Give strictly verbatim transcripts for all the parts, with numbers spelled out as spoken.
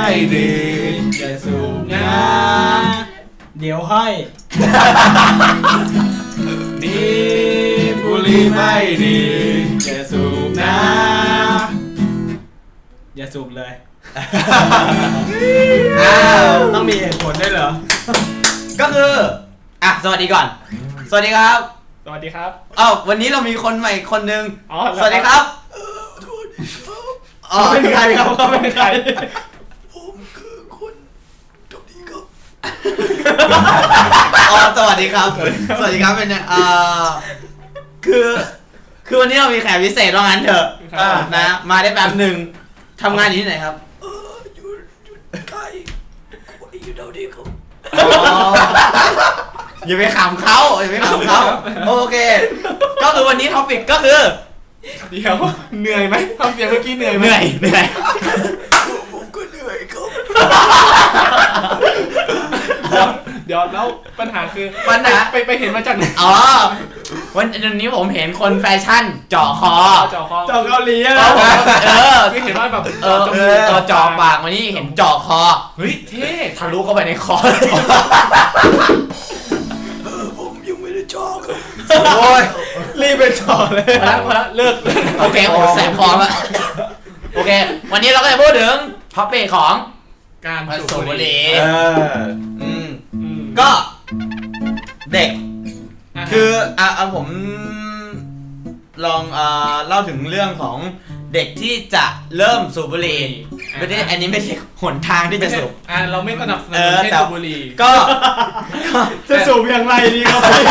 ดีอย่าสูบนะเดี๋ยวให้นี่บุหรี่ไม่ดีอย่าสูบนะอย่าสูบเลยอ้าว ต้องมีเหตุผลด้วยเหรอก็คืออ่ะสวัสดีก่อนสวัสดีครับสวัสดีครับอ้าววันนี้เรามีคนใหม่คนนึงสวัสดีครับอ๋อเป็นใครครับเขาเป็นใครผมคือคนตรงนี้ครับอ๋อสวัสดีครับสวัสดีครับเป็นเนี่ยอ่าคือคือวันนี้เรามีแขกพิเศษว่างั้นเถอะนะมาได้แป๊บหนึ่งทำงานอยู่ที่ไหนครับเอออยู่อยู่ใกล้อยู่เท่านี้ครับอย่าไปขำเขาอย่าไปขำเขาโอเคก็คือวันนี้ท็อปิกก็คือเดี๋ยวเหนื่อยไหมทำเสียงเมื่อกี้เหนื่อยไหมเหนื่อยเหนื่อยผมก็เหนื่อยครับเดี๋ยวเดี๋ยวแล้วปัญหาคือปัญหาไปไปเห็นมาจากไหนอ๋อวันนี้ผมเห็นคนแฟชั่นเจาะคอเจาะคอเจาะเกาหลีอะเออคือเห็นว่าแบบเออเจาะปากวันนี้เห็นเจาะคอเฮ้ยเท่ทะลุเข้าไปในคอเออผมยังไม่ได้เจาะครับโอ้ยรีบไปเจาะเลยพอแล้วพอแล้วเลิกโอเคโอ้แสบคอแล้วโอเควันนี้เราก็จะพูดถึงท็อปเปของการสูบบุหรี่เอออืมก็เด็กคืออ่ะผมลองเอ่อเล่าถึงเรื่องของเด็กที่จะเริ่มสูบบุหรี่ไม่ได้อันนี้ไม่ใช่หนทางที่จะสูบอ่าเราไม่สนับสนุนให้สูบบุหรี่ก็จะสูบอย่างไรดีครับพี่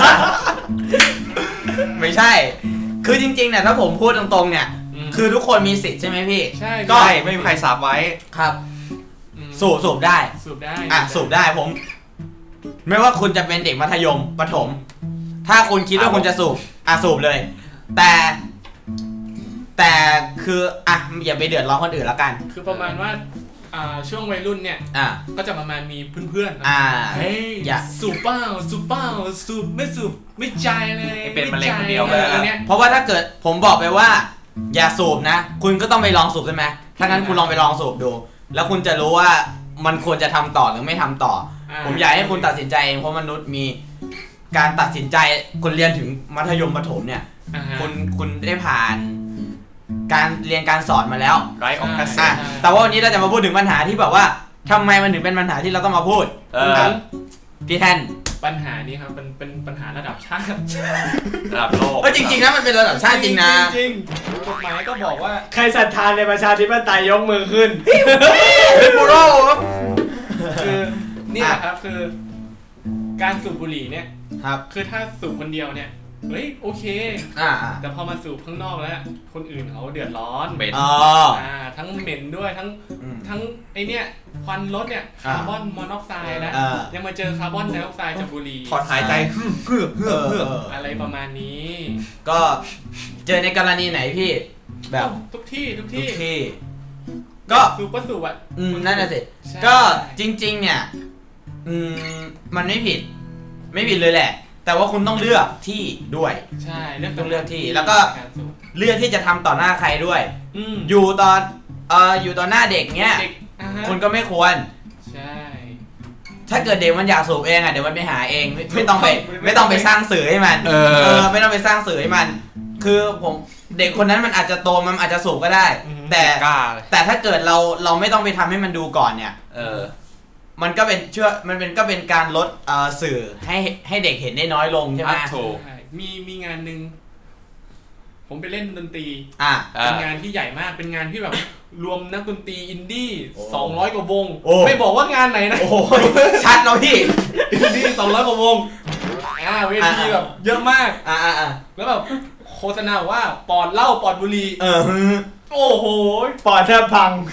ไม่ใช่คือจริงๆเนี่ยถ้าผมพูดตรงๆเนี่ยคือทุกคนมีสิทธิ์ใช่ไหมพี่ใช่ก็ไม่มีใครสาบไว้ครับสูบสูบได้สูบได้อ่ะสูบได้ผมไม่ว่าคุณจะเป็นเด็กมัธยมประถมถ้าคุณคิดว่าคุณจะสูบอ่ะสูบเลยแต่แต่คืออ่ะอย่าไปเดือดร้อนคนอื่นแล้วกันคือประมาณว่าอ่าช่วงวัยรุ่นเนี่ยอ่ะก็จะประมาณมีเพื่อนๆอ่าเฮ้ยอย่าสูบเปล่าสูบเปล่าสูบไม่สูบไม่ใจเลยเป็นมะเร็งคนเดียวเลยเพราะว่าถ้าเกิดผมบอกไปว่าอย่าสูบนะคุณก็ต้องไปลองสูบใช่ไหมถ้างั้นคุณลองไปลองสูบดูแล้วคุณจะรู้ว่ามันควรจะทำต่อหรือไม่ทำต่อผมอยากให้คุณตัดสินใจเองเพราะมนุษย์มีการตัดสินใจคุณเรียนถึงมัธยมประถมเนี่ยคุณคุณได้ผ่านการเรียนการสอนมาแล้วไรออกกระแสแต่ว่าวันนี้เราจะมาพูดถึงปัญหาที่แบบว่าทำไมมันถึงเป็นปัญหาที่เราต้องมาพูดพี่แทนปัญหานี้ครับเป็นเป็นปัญหาระดับชาติระดับโลกเออจริงๆนะมันเป็นระดับชาติจริงนะจริงกฎหมายก็บอกว่าใครศรัทธาในประชาธิปไตยยกมือขึ้นเป็นบูโร่คือนี่แหละครับคือการสูบบุหรี่เนี่ยครับคือถ้าสูบคนเดียวเนี่ยเฮ้ยโอเคอ่าแต่พอมาสูบข้างนอกแล้วคนอื่นเขาเดือดร้อนเหม็นอ่าทั้งเหม็นด้วยทั้งทั้งไอเนี้ยควันรถเนี่ยคาร์บอนมอนอกไซด์นะยังมาเจอคาร์บอนไดออกไซด์จากบุหรี่ถอดหายใจเฮือกเฮือกเฮือกอะไรประมาณนี้ก็เจอในกรณีไหนพี่แบบทุกที่ทุกที่ก็สูบก็สูบอ่ะอืมนั่นแหละสิก็จริงๆเนี่ยอืมมันไม่ผิดไม่ผิดเลยแหละแต่ว่าคุณต้องเลือกที่ด้วยใช่ต้องเลือกที่แล้วก็เลือกที่จะทำต่อหน้าใครด้วยอยู่ตอนเอ่ออยู่ต่อหน้าเด็กเนี้ยคุณก็ไม่ควรใช่ถ้าเกิดเด็กมันอยากสูบเองอ่ะเดี๋ยวมันไปหาเองไม่ต้องไปไม่ต้องไปสร้างสื่อให้มันเออไม่ต้องไปสร้างสื่อให้มันคือผมเด็กคนนั้นมันอาจจะโตมันอาจจะสูบก็ได้แต่แต่ถ้าเกิดเราเราไม่ต้องไปทำให้มันดูก่อนเนี่ยเออมันก็เป็นเชื่อมันเป็นก็เป็นการลดสื่อให้ให้เด็กเห็นได้น้อยลงใช่ไหมถูกมีมีงานหนึ่งผมไปเล่นดนตรีอ่าเป็นงานที่ใหญ่มากเป็นงานที่แบบรวมนักดนตรีอินดี้สองร้อยกว่าวงไม่บอกว่างานไหนนะโอ้ชัดเนาะพี่อินดี้สองร้อยกว่าวงอ่าเวทีแบบเยอะมากอ่าอ่าแล้วแบบโฆษณาว่าปอดเหล้าปอดบุหรี่เออโอ้โหปอดแทบพัง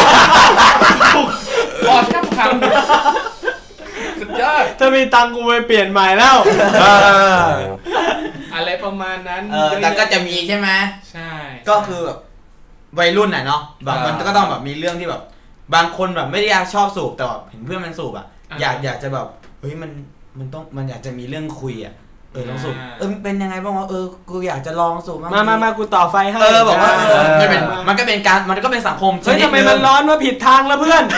ปอดแทบพังสุดยอดถ้ามีตังกูไปเปลี่ยนใหม่แล้วอะไรประมาณนั้นเออแต่ก็จะมีใช่ไหมใช่ก็คือแบบวัยรุ่นน่ะเนาะแบบมันก็ต้องแบบมีเรื่องที่แบบบางคนแบบไม่ได้อยากชอบสูบแต่แบบเห็นเพื่อนมันสูบอ่ะอยากอยากจะแบบเฮ้ยมันมันต้องมันอยากจะมีเรื่องคุยอ่ะเออลองสูบเออเป็นยังไงบ้างวะเออกูอยากจะลองสูบบ้างมามามากูต่อไฟให้เออบอกว่าเออมันเป็นมันก็เป็นการมันก็เป็นสังคมเฮ้ยทำไมมันร้อนวะผิดทางแล้วเพื่อน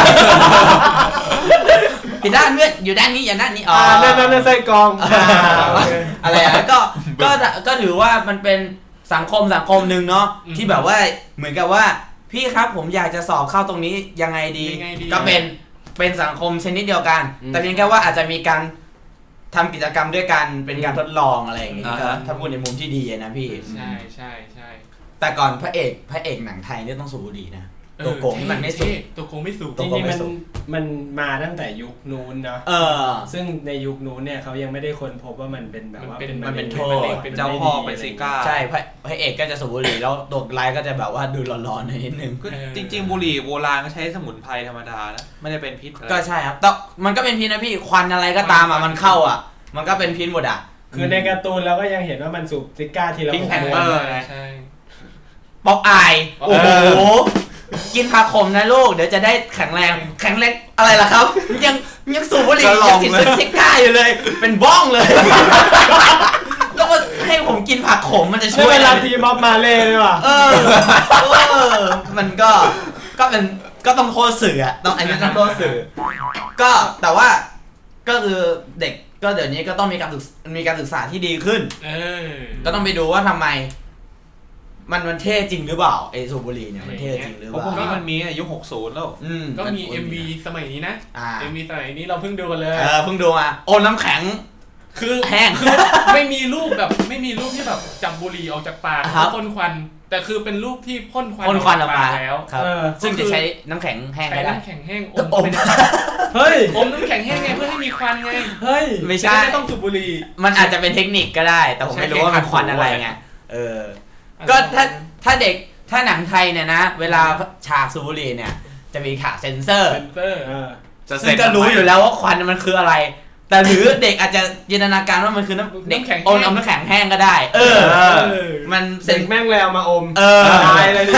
ผิดด้านเพื่อนอยู่ด้านนี้อย่าด้านนี้อ๋อนั่นนั่นไส้กรองอะไรอ่ะก็ก็ก็ถือว่ามันเป็นสังคมสังคมหนึ่งเนาะที่แบบว่าเหมือนกับว่าพี่ครับผมอยากจะสอบเข้าตรงนี้ยังไงดีก็เป็นเป็นสังคมชนิดเดียวกันแต่เพียงแค่ว่าอาจจะมีการทำกิจกรรมด้วยกันเป็นการทดลองอะไรอย่างเงี้ยถ้าพูดในมุมที่ดีนะพี่ใช่ใช่ใช่แต่ก่อนพระเอกพระเอกหนังไทยเนี่ยต้องสูบบุหรี่นะตัวโกงที่มันไม่สูบตัวโกงไม่สูบจริงๆมันมันมาตั้งแต่ยุคนู้นเนาะซึ่งในยุคนู้นเนี่ยเขายังไม่ได้ค้นพบว่ามันเป็นแบบว่ามันเป็นโทษเป็นเจ้าพ่อเป็นซิก้าใช่พระพระเอกก็จะสูบบุหรี่แล้วตัวร้ายก็จะแบบว่าดูร้อนๆนิดนึงจริงๆบุหรี่โบราณก็ใช้สมุนไพรธรรมดานะไม่ได้เป็นพิษก็ใช่ครับแต่มันก็เป็นพิษนะพี่ควันอะไรก็ตามอ่ะมันเข้าอ่ะมันก็เป็นพิษหมดอ่ะคือในการ์ตูนเราก็ยังเห็นว่ามันสูบซิก้าทีละพิงแพนเตอร์ใช่ป๊อกอายโอ้โหกินผักขมนะลูกเดี๋ยวจะได้แข็งแรงแข็งแรงอะไรล่ะครับยังยังสูบบุหรี่ยังติดซิก้าอยู่เลยเป็นบ้องเลยแล้วมาให้ผมกินผักขมมันจะช่วยเวลาทีม็อบมาเล่เลยว่ะเออมันก็ก็เป็นก็ต้องโทษสื่ออ่ะต้องอันนี้ต้องโทษสื่อก็แต่ว่าก็คือเด็กก็เดี๋ยวนี้ก็ต้องมีการศึกมีการศึกษาที่ดีขึ้นก็ต้องไปดูว่าทำไมมันมันเท่จริงหรือเปล่าไอสูบบุหรี่เนี่ยมันเท่จริงหรือเปล่าเพราะพวกนี้มันมีอายุหกสิบแล้วก็มี เอ็ม วี สมัยนี้นะ เอ็ม วี สมัยนี้เราเพิ่งดูกันเลยเออเพิ่งดูมาโอน้ำแข็งคือแห้งคือไม่มีรูปแบบไม่มีรูปที่แบบจับบุหรี่ออกจากปากพ่นควันแต่คือเป็นรูปที่พ่นควันพ่นควันออกมาแล้วซึ่งจะใช้น้ำแข็งแห้งได้น้ำแข็งแห้งอมเฮ้ยอมน้ำแข็งแห้งไงเพื่อให้มีควันไงเฮ้ยไม่ใช่ไม่ต้องสูบบุหรี่มันอาจจะเป็นเทคนิคก็ได้แต่ผมไม่รู้ว่ามันควันอะไรไงเออก็ถ้าถ้าเด็กถ้าหนังไทยเนี่ยนะเวลาฉากสูบบุหรี่เนี่ยจะมีฉากเซ็นเซอร์ซึ่งก็รู้อยู่แล้วว่าควันมันคืออะไรแต่หรือเด็กอาจจะจินตนาการว่ามันคือน้ำเด็กอมน้ำแข็งแห้งก็ได้เออมันเด็กแม่งแล้วมาอมเออตายเลย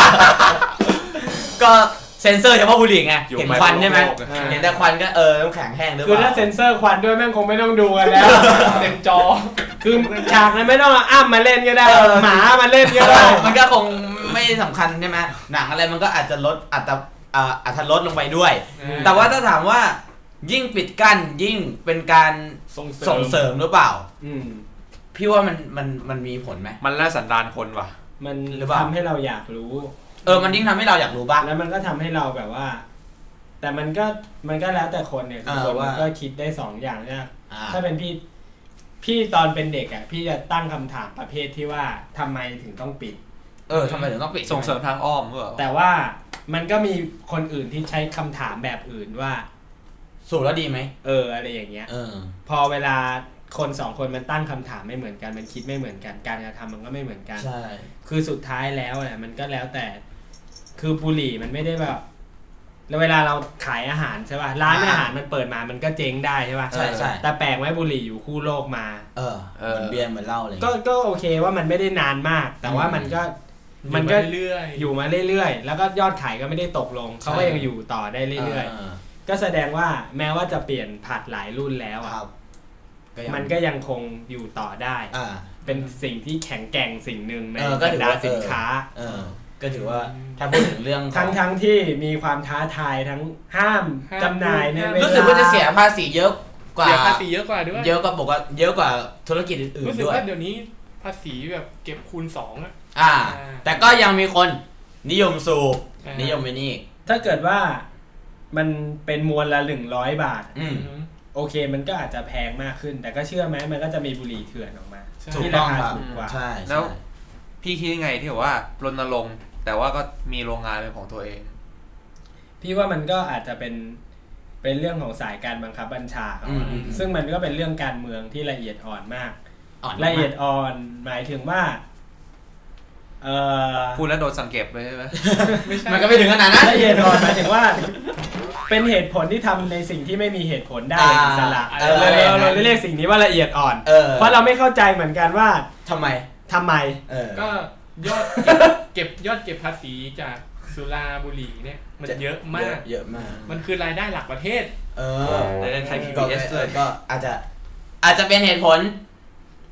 ก็เซ็นเซอร์เฉพาะบุหรี่ไงเห็นควันใช่ไหมเห็นแต่ควันก็เออน้ำแข็งแห้งหรือเปล่าคือถ้าเซ็นเซอร์ควันด้วยแม่งคงไม่ต้องดูกันแล้วเต็มจอคือฉากนั้นไม่ต้องอ้ำมาเล่นก็ได้หมามาเล่นก็ได้มันก็คงไม่สำคัญใช่ไหมหนังอะไรมันก็อาจจะลดอาจจะอาจจะลดลงไปด้วยแต่ว่าถ้าถามว่ายิ่งปิดกั้นยิ่งเป็นการส่งเสริมหรือเปล่าพี่ว่ามันมันมันมีผลไหมมันแล้วสันดานคนว่ะมันทำให้เราอยากรู้เออมันยิ่งทำให้เราอยากรู้บ้างแล้วมันก็ทำให้เราแบบว่าแต่มันก็มันก็แล้วแต่คนเนี่ยคนมันก็คิดได้สองอย่างนะถ้าเป็นพี่พี่ตอนเป็นเด็กอ่ะพี่จะตั้งคำถามประเภทที่ว่าทำไมถึงต้องปิดเออทำไมถึงต้องปิดส่งเสริมทางอ้อมเหรอแต่ว่ามันก็มีคนอื่นที่ใช้คำถามแบบอื่นว่าสูบแล้วดีไหมเอออะไรอย่างเงี้ยเออพอเวลาคนสองคนมันตั้งคำถามไม่เหมือนกันมันคิดไม่เหมือนกันการกระทำมันก็ไม่เหมือนกันใช่คือสุดท้ายแล้วเนี่ยมันก็แล้วแต่คือบุหรี่มันไม่ได้แบบแล้วเวลาเราขายอาหารใช่ป่ะร้านอาหารมันเปิดมามันก็เจ๊งได้ใช่ป่ะใช่ใช่แต่แปลกไว้บุหรี่อยู่คู่โลกมาเออเหมือนเบียร์เหมือนเหล้าเลยก็ก็โอเคว่ามันไม่ได้นานมากแต่ว่ามันก็มันก็เรื่อยอยู่มาเรื่อยๆแล้วก็ยอดขายก็ไม่ได้ตกลงเขาก็ยังอยู่ต่อได้เรื่อยๆก็แสดงว่าแม้ว่าจะเปลี่ยนผัดหลายรุ่นแล้วอ่ะมันก็ยังคงอยู่ต่อได้เป็นสิ่งที่แข็งแกร่งสิ่งหนึ่งในบรรดาสินค้าก็ถือว่าถ้าพูดถึงเรื่องทั้งทั้งที่มีความท้าทายทั้งห้ามจำหน่ายในเวลารู้สึกว่าจะเสียภาษีเยอะกว่าเสียภาษีเยอะกว่าด้วยเยอะกว่าบอกว่าเยอะกว่าธุรกิจอื่นๆด้วยรู้สึกว่าเดี๋ยวนี้ภาษีแบบเก็บคูณสองอ่ะอ่าแต่ก็ยังมีคนนิยมสูบนิยมไปนี่ถ้าเกิดว่ามันเป็นมวลละหนึ่งร้อยบาทโอเคมันก็อาจจะแพงมากขึ้นแต่ก็เชื่อไหมมันก็จะมีบุหรี่เถื่อนออกมาที่ราคาถูกกว่าใช่แล้วพี่คิดยังไงที่ว่ารณรงค์แต่ว่าก็มีโรงงานเป็นของตัวเองพี่ว่ามันก็อาจจะเป็นเป็นเรื่องของสายการบังคับบัญชาครับซึ่งมันก็เป็นเรื่องการเมืองที่ละเอียดอ่อนมากละเอียดอ่อนหมายถึงว่าเออพูดแล้วโดนสังเกตเลยใช่ไหมมันก็ไม่ถึงขนาดนั้นละเอียดอ่อนหมายถึงว่าเป็นเหตุผลที่ทำในสิ่งที่ไม่มีเหตุผลได้อิสระเราเราเรียกสิ่งนี้ว่าละเอียดอ่อนเพราะเราไม่เข้าใจเหมือนกันว่าทำไมทำไมก็ยอดเก็บยอดเก็บภาษีจากสุราบุหรี่เนี่ยมันเยอะมากเยอะมากมันคือรายได้หลักประเทศเออในไทย พี บี เอส ด้วยก็อาจจะอาจจะเป็นเหตุผล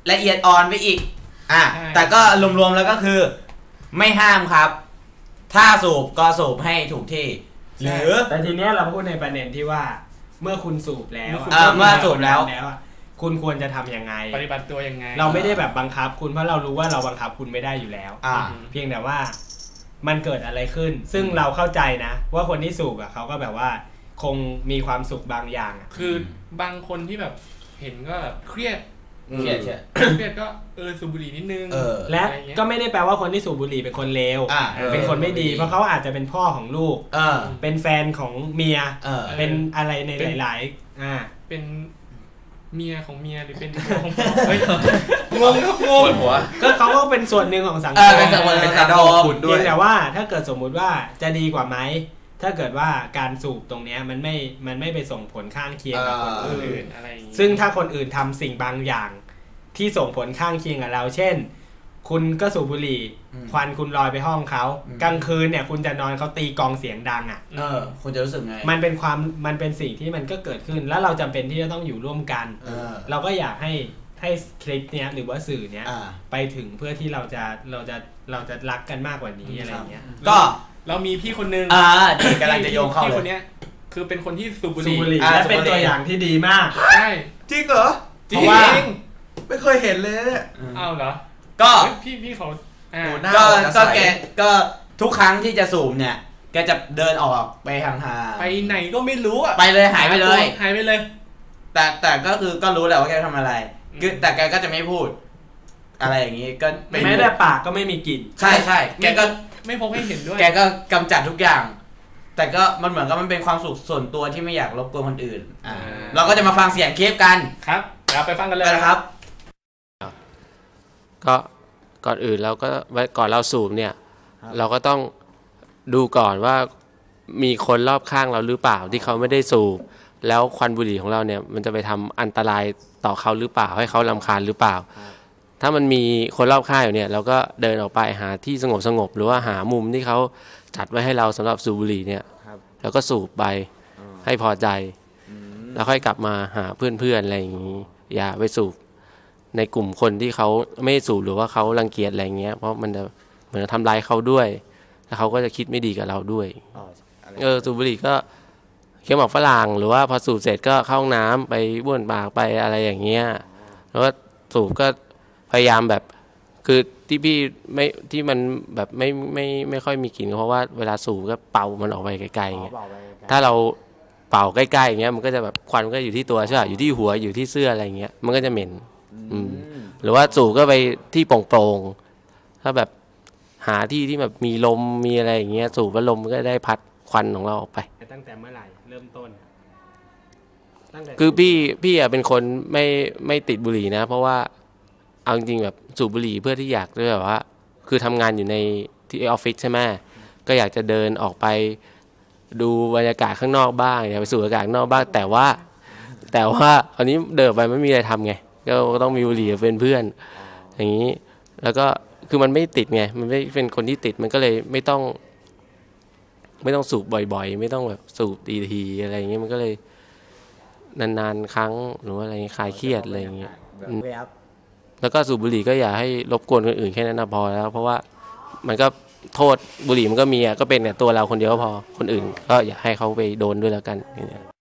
ละเอียดอ่อนไปอีกอ่ะแต่ก็รวมๆแล้วก็คือไม่ห้ามครับถ้าสูบก็สูบให้ถูกที่หรือแต่ทีเนี้ยเราพูดในประเด็นที่ว่าเมื่อคุณสูบแล้วเออเมื่อสูบแล้วคุณควรจะทำยังไงปฏิบัติตัวยังไงเราไม่ได้แบบบังคับคุณเพราะเรารู้ว่าเราบังคับคุณไม่ได้อยู่แล้วเพียงแต่ว่ามันเกิดอะไรขึ้นซึ่งเราเข้าใจนะว่าคนที่สูบอ่ะเขาก็แบบว่าคงมีความสุขบางอย่างคือบางคนที่แบบเห็นก็แบบเครียดเครียดเครียดก็เออสูบบุหรี่นิดนึงและก็ไม่ได้แปลว่าคนที่สูบบุหรี่เป็นคนเลวเป็นคนไม่ดีเพราะเขาอาจจะเป็นพ่อของลูกเป็นแฟนของเมียเป็นอะไรในหลายๆอ่าเป็นเมียของเมียหรือเป็นพ่อของพ่อเฮ้ยงงครับงงหัวก็เขาก็เป็นส่วนหนึ่งของสังคมเป็นส่วนหนึ่งของสังคมเพียงแต่ว่าถ้าเกิดสมมุติว่าจะดีกว่าไหมถ้าเกิดว่าการสูบตรงนี้มันไม่มันไม่ไปส่งผลข้างเคียงกับคนอื่นอะไรซึ่งถ้าคนอื่นทำสิ่งบางอย่างที่ส่งผลข้างเคียงกับเราเช่นคุณก็สูบบุหรี่ควันคุณลอยไปห้องเขากลางคืนเนี่ยคุณจะนอนเขาตีกองเสียงดังอ่ะเออคุณจะรู้สึกไงมันเป็นความมันเป็นสิ่งที่มันก็เกิดขึ้นแล้วเราจำเป็นที่จะต้องอยู่ร่วมกันเออเราก็อยากให้ให้คลิปเนี้ยหรือว่าสื่อเนี้ยไปถึงเพื่อที่เราจะเราจะเราจะรักกันมากกว่านี้อะไรเงี้ยก็เรามีพี่คนนึงอ่าดีกำลังจะโยงเข้าเลยพี่คนเนี้ยคือเป็นคนที่สูบบุหรี่และเป็นตัวอย่างที่ดีมากใช่จริงเหรอจริงไม่เคยเห็นเลยเนี่ยอ้าวเหรอก็พี่พี่เขาก็ก็แกก็ทุกครั้งที่จะสูบเนี่ยแกจะเดินออกไปห่างๆไปไหนก็ไม่รู้อ่ะไปเลยหายไปเลยหายไปเลยแต่แต่ก็คือก็รู้แหละว่าแกทำอะไรคือแต่แกก็จะไม่พูดอะไรอย่างนี้ก็ไม่ได้ปากก็ไม่มีกลิ่นใช่ใช่แกก็ไม่พกให้เห็นด้วยแกก็กำจัดทุกอย่างแต่ก็มันเหมือนกับมันเป็นความสุขส่วนตัวที่ไม่อยากรบกวนคนอื่นอ่าเราก็จะมาฟังเสียงคลิปกันครับเราไปฟังกันเลยครับก็ก่อนอื่นเราก็ก่อนเราสูบเนี่ยเราก็ต้องดูก่อนว่ามีคนรอบข้างเราหรือเปล่าที่เขาไม่ได้สูบแล้วควันบุหรี่ของเราเนี่ยมันจะไปทำอันตรายต่อเขาหรือเปล่าให้เขารำคาญหรือเปล่าถ้ามันมีคนรอบข้างอยู่เนี่ยเราก็เดินออกไปหาที่สงบสงบหรือว่าหามุมที่เขาจัดไว้ให้เราสำหรับสูบบุหรี่เนี่ยแล้วก็สูบไปให้พอใจแล้วค่อยกลับมาหาเพื่อนๆอะไรอย่างนี้อย่าไปสูบในกลุ่มคนที่เขาไม่สูบหรือว่าเขารังเกียจอะไรเงี้ยเพราะมันจะเหมือนทำลายเขาด้วยแล้วเขาก็จะคิดไม่ดีกับเราด้วยเออสูบบุหรี่ก็เคี้ยวหมากฝรั่งหรือว่าพอสูบเสร็จก็เข้าห้องน้ำไปบ้วนปากไปอะไรอย่างเงี้ยแล้วก็สูบก็พยายามแบบคือที่พี่ไม่ที่มันแบบไม่ไม่ไม่ค่อยมีกลิ่นเพราะว่าเวลาสูบก็เป่ามันออกไปไกลๆอย่างเงี้ยถ้าเราเป่าใกล้ๆอย่างเงี้ยมันก็จะแบบควันก็อยู่ที่ตัวใช่ป่ะอยู่ที่หัวอยู่ที่เสื้ออะไรเงี้ยมันก็จะเหม็นหรือว่าสูบก็ไปที่โปร่งๆถ้าแบบหาที่ที่แบบมีลมมีอะไรอย่างเงี้ยสูบแล้วลมก็ได้พัดควันของเราออกไปตั้งแต่เมื่อไหร่เริ่มต้นคือพี่พี่อ่ะเป็นคนไม่ไม่ติดบุหรี่นะเพราะว่าเอาจริงๆแบบสูบบุหรี่เพื่อที่อยากด้วยแบบว่าคือทำงานอยู่ในที่ออฟฟิศใช่ไหมก็อยากจะเดินออกไปดูบรรยากาศข้างนอกบ้างอยากไปสูดอากาศข้างนอกบ้างแต่ว่าแต่ว่าตอนนี้เดินไปไม่มีอะไรทำไงก็ต้องมีบุหรี่เป็นเพื่อนอย่างนี้แล้วก็คือมันไม่ติดไงมันไม่เป็นคนที่ติดมันก็เลยไม่ต้องไม่ต้องสูบบ่อยๆไม่ต้องแบบสูบทีๆอะไรอย่างเงี้ยมันก็เลยนานๆครั้งหรือว่าอะไรคลายเครียดอะไรอย่างเงี้ยแล้วก็สูบบุหรี่ก็อย่าให้รบกวนคนอื่นแค่นั้นพอแล้วเพราะว่ามันก็โทษบุหรี่มันก็มีอ่ะก็เป็นแต่ตัวเราคนเดียวก็พอคนอื่นก็อย่าให้เขาไปโดนด้วยแล้วกัน